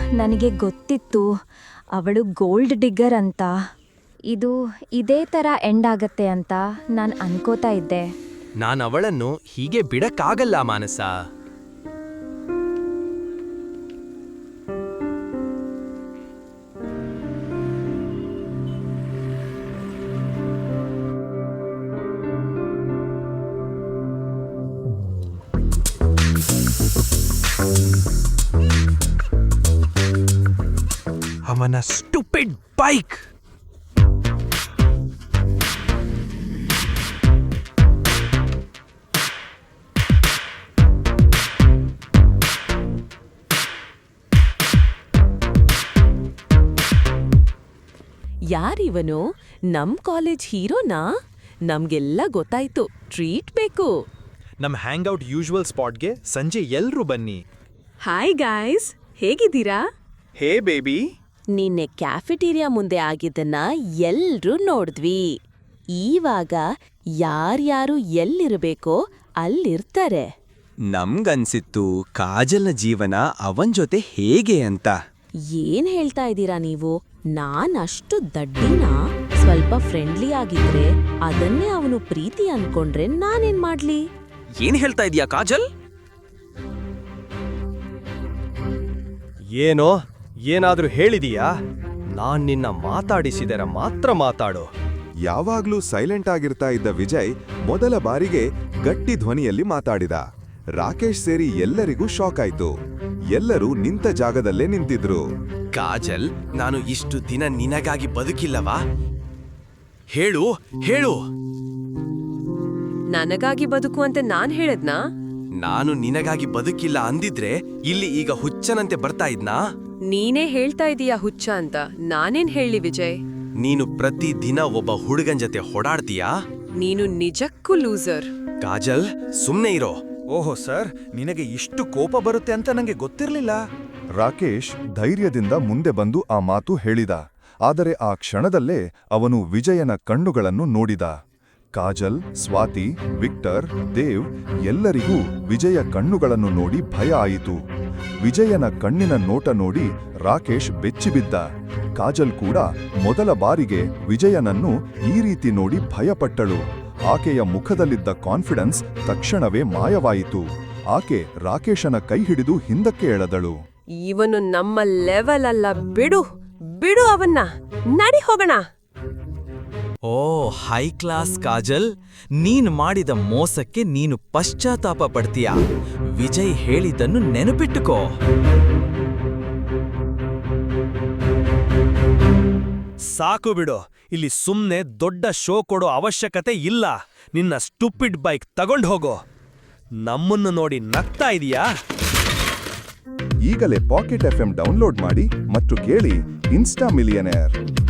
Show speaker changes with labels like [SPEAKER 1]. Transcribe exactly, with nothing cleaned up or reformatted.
[SPEAKER 1] ನನಗೆ ಗೊತ್ತಿತ್ತು ಅವಳು ಗೋಲ್ಡ್ ಡಿಗ್ಗರ್ ಅಂತ. ಇದು ಇದೇ ಥರ ಎಂಡ್ ಆಗತ್ತೆ ಅಂತ ನಾನು ಅನ್ಕೋತಾ ಇದ್ದೆ.
[SPEAKER 2] ನಾನು ಅವಳನ್ನು ಹೀಗೆ ಬಿಡಕ್ಕಾಗಲ್ಲ ಮಾನಸ. ಅವನ ಸ್ಟುಪಿಡ್ ಬೈಕ್.
[SPEAKER 3] ಯಾರಿವನು? ನಮ್ ಕಾಲೇಜ್ ಹೀರೋನಾ? ನಮ್ಗೆಲ್ಲ ಗೊತ್ತಾಯ್ತು, ಟ್ರೀಟ್ ಬೇಕು.
[SPEAKER 4] ನಮ್ ಹ್ಯಾಂಗ್ಔಟ್ ಯೂಶುವಲ್ ಸ್ಪಾಟ್ಗೆ ಸಂಜೆ ಎಲ್ರೂ ಬನ್ನಿ.
[SPEAKER 3] ಹಾಯ್ ಗಾಯ್ಸ್, ಹೇಗಿದ್ದೀರಾ?
[SPEAKER 4] Hey baby.
[SPEAKER 3] ನಿನ್ನೆ ಕ್ಯಾಫೆಟೀರಿಯಾ ಮುಂದೆ ಆಗಿದ್ದನ್ನ ಎಲ್ರೂ ನೋಡಿದ್ವಿ. ಈವಾಗ ಯಾರ್ಯಾರು ಎಲ್ಲಿರಬೇಕೋ ಅಲ್ಲಿರ್ತಾರೆ.
[SPEAKER 5] ನಮ್ಗನ್ಸಿತ್ತು ಕಾಜಲ್ನ ಜೀವನ ಅವನ್ ಜೊತೆ ಹೇಗೆ ಅಂತ.
[SPEAKER 3] ಏನ್ ಹೇಳ್ತಾ ಇದ್ದೀರಾ ನೀವು? ನಾನ್ ಅಷ್ಟು ದಡ್ಡಿನಾ? ಸ್ವಲ್ಪ ಫ್ರೆಂಡ್ಲಿ ಆಗಿದ್ರೆ ಅದನ್ನೇ ಅವನು ಪ್ರೀತಿ ಅನ್ಕೊಂಡ್ರೆ ನಾನೇನ್ ಮಾಡ್ಲಿ?
[SPEAKER 2] ಏನ್ ಹೇಳ್ತಾ ಇದೀಯಾ ಕಾಜಲ್?
[SPEAKER 4] ಏನೋ ಏನಾದ್ರೂ ಹೇಳಿದೀಯಾ? ನಾನ್ ನಿನ್ನ ಮಾತಾಡಿಸಿದರ ಮಾತ್ರ ಮಾತಾಡು.
[SPEAKER 6] ಯಾವಾಗ್ಲೂ ಸೈಲೆಂಟ್ ಆಗಿರ್ತಾ ಇದ್ದ ವಿಜಯ್ ಮೊದಲ ಬಾರಿಗೆ ಗಟ್ಟಿ ಧ್ವನಿಯಲ್ಲಿ ಮಾತಾಡಿದ. ರಾಕೇಶ್ ಸೇರಿ ಎಲ್ಲರಿಗೂ ಶಾಕ್ ಆಯ್ತು. ಎಲ್ಲರೂ ನಿಂತ ಜಾಗದಲ್ಲೇ ನಿಂತಿದ್ರು.
[SPEAKER 2] ಕಾಜಲ್, ನಾನು ಇಷ್ಟು ದಿನ ನಿನಗಾಗಿ ಬದುಕಿಲ್ಲವಾ? ಹೇಳು ಹೇಳು.
[SPEAKER 3] ನನಗಾಗಿ ಬದುಕು ಅಂತ ನಾನ್ ಹೇಳದ್ನಾ?
[SPEAKER 2] ನಾನು ನಿನಗಾಗಿ ಬದುಕಿಲ್ಲ ಅಂದಿದ್ರೆ ಇಲ್ಲಿ ಈಗ ಹುಚ್ಚನಂತೆ ಬರ್ತಾ ಇದ್ನಾ?
[SPEAKER 3] ನೀನೇ ಹೇಳ್ತಾ ಇದೀಯಾ ಹುಚ್ಚ ಅಂತ. ನಾನೇನ್ ಹೇಳಿ ವಿಜಯ್?
[SPEAKER 2] ನೀನು ಪ್ರತಿ ದಿನ ಒಬ್ಬ ಹುಡುಗನ್ ಜೊತೆ ಹೊಡಾಡ್ತೀಯಾ?
[SPEAKER 3] ನೀನು ನಿಜಕ್ಕೂ ಲೂಸರ್.
[SPEAKER 2] ಕಾಜಲ್, ಸುಮ್ನೆ ಇರೋ.
[SPEAKER 4] ಓಹೋ ಸರ್, ನಿನಗೆ ಇಷ್ಟು ಕೋಪ ಬರುತ್ತೆ ಅಂತ ನಂಗೆ ಗೊತ್ತಿರ್ಲಿಲ್ಲ.
[SPEAKER 6] ರಾಕೇಶ್ ಧೈರ್ಯದಿಂದ ಮುಂದೆ ಬಂದು ಆ ಮಾತು ಹೇಳಿದ. ಆದರೆ ಆ ಕ್ಷಣದಲ್ಲೇ ಅವನು ವಿಜಯನ ಕಣ್ಣುಗಳನ್ನು ನೋಡಿದ. ಕಾಜಲ್, ಸ್ವಾತಿ, ವಿಕ್ಟರ್, ದೇವ್ ಎಲ್ಲರಿಗೂ ವಿಜಯ ಕಣ್ಣುಗಳನ್ನು ನೋಡಿ ಭಯ ಆಯಿತು. ವಿಜಯನ ಕಣ್ಣಿನ ನೋಟ ನೋಡಿ ರಾಕೇಶ್ ಬೆಚ್ಚಿಬಿದ್ದ. ಕಾಜಲ್ ಕೂಡ ಮೊದಲ ಬಾರಿಗೆ ವಿಜಯನನ್ನು ಈ ರೀತಿ ನೋಡಿ ಭಯಪಟ್ಟಳು. ಆಕೆಯ ಮುಖದಲ್ಲಿದ್ದ ಕಾನ್ಫಿಡೆನ್ಸ್ ತಕ್ಷಣವೇ ಮಾಯವಾಯಿತು. ಆಕೆ ರಾಕೇಶನ ಕೈ ಹಿಡಿದು ಹಿಂದಕ್ಕೆ ಎಳೆದಳು.
[SPEAKER 3] ಇವನು ನಮ್ಮ ಲೆವೆಲ್ ಅಲ್ಲ, ಬಿಡು ಬಿಡು ಅವನ್ನ, ನಡಿ ಹೋಗೋಣ.
[SPEAKER 5] ಓ ಹೈ ಕ್ಲಾಸ್ ಕಾಜಲ್, ನೀನ್ ಮಾಡಿದ ಮೋಸಕ್ಕೆ ನೀನು ಪಶ್ಚಾತ್ತಾಪ ಪಡ್ತೀಯಾ? ವಿಜಯ್ ಹೇಳಿದ್ದನ್ನು ನೆನಪಿಟ್ಟುಕೋ.
[SPEAKER 4] ಸಾಕು ಬಿಡು, ಇಲ್ಲಿ ಸುಮ್ನೆ ದೊಡ್ಡ ಶೋ ಕೊಡೋ ಅವಶ್ಯಕತೆ ಇಲ್ಲ. ನಿನ್ನ ಸ್ಟುಪಿಡ್ ಬೈಕ್ ತಗೊಂಡ್ ಹೋಗೋ. ನಮ್ಮನ್ನು ನೋಡಿ ನಗ್ತಾ ಇದೀಯಾ?
[SPEAKER 6] ಈಗಲೇ ಪಾಕೆಟ್ ಎಫ್ ಎಂ ಡೌನ್ಲೋಡ್ ಮಾಡಿ ಮತ್ತು ಕೇಳಿ ಇನ್ಸ್ಟಾ ಮಿಲಿಯನೇರ್.